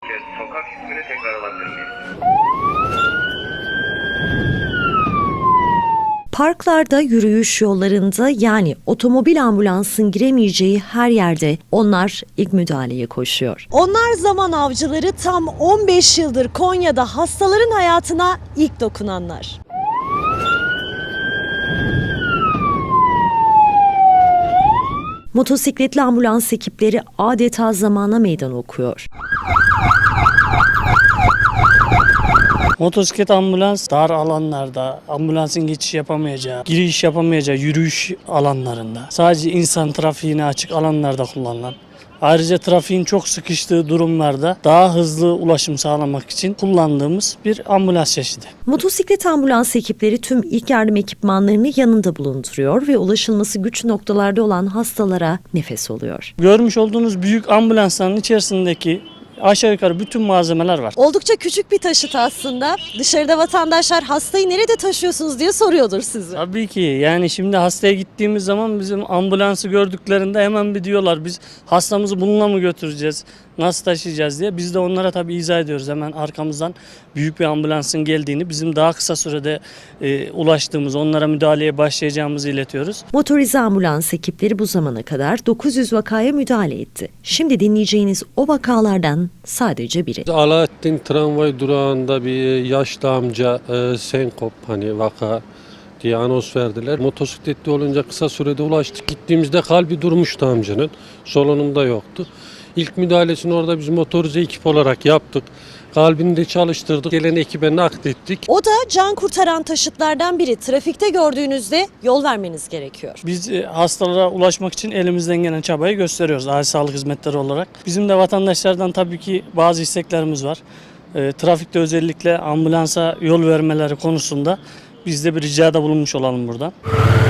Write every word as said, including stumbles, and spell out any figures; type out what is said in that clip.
Sokak ismini tekrar alabilir miyim? Parklarda, yürüyüş yollarında yani otomobil ambulansın giremeyeceği her yerde onlar ilk müdahaleye koşuyor. Onlar zaman avcıları, tam on beş yıldır Konya'da hastaların hayatına ilk dokunanlar. Motosikletli ambulans ekipleri adeta zamana meydan okuyor. Motosiklet ambulans dar alanlarda, ambulansın geçiş yapamayacağı, giriş yapamayacağı yürüyüş alanlarında, sadece insan trafiğine açık alanlarda kullanılan, ayrıca trafiğin çok sıkıştığı durumlarda daha hızlı ulaşım sağlamak için kullandığımız bir ambulans çeşidi. Motosiklet ambulans ekipleri tüm ilk yardım ekipmanlarını yanında bulunduruyor ve ulaşılması güç noktalarda olan hastalara nefes oluyor. Görmüş olduğunuz büyük ambulansların içerisindeki aşağı yukarı bütün malzemeler var. Oldukça küçük bir taşıt aslında. Dışarıda vatandaşlar hastayı nerede taşıyorsunuz diye soruyordur sizi. Tabii ki, yani şimdi hastaya gittiğimiz zaman bizim ambulansı gördüklerinde hemen bir diyorlar biz hastamızı bununla mı götüreceğiz, nasıl taşıyacağız diye. Biz de onlara tabii izah ediyoruz, hemen arkamızdan büyük bir ambulansın geldiğini, bizim daha kısa sürede e, ulaştığımız, onlara müdahaleye başlayacağımızı iletiyoruz. Motorize ambulans ekipleri bu zamana kadar dokuz yüz vakaya müdahale etti. Şimdi dinleyeceğiniz o vakalardan sadece biri. Alaaddin tramvay durağında bir yaşlı amca e, senkop hani vaka diye anons verdiler. Motosikletli olunca kısa sürede ulaştık. Gittiğimizde kalbi durmuştu amcanın. Solunumda yoktu. İlk müdahalesini orada biz motorize ekip olarak yaptık. Kalbini de çalıştırdık. Gelen ekibe naklettik. O da can kurtaran taşıtlardan biri. Trafikte gördüğünüzde yol vermeniz gerekiyor. Biz e, hastalara ulaşmak için elimizden gelen çabayı gösteriyoruz acil sağlık hizmetleri olarak. Bizim de vatandaşlardan tabii ki bazı isteklerimiz var. E, trafikte özellikle ambulansa yol vermeleri konusunda biz de bir ricada bulunmuş olalım buradan.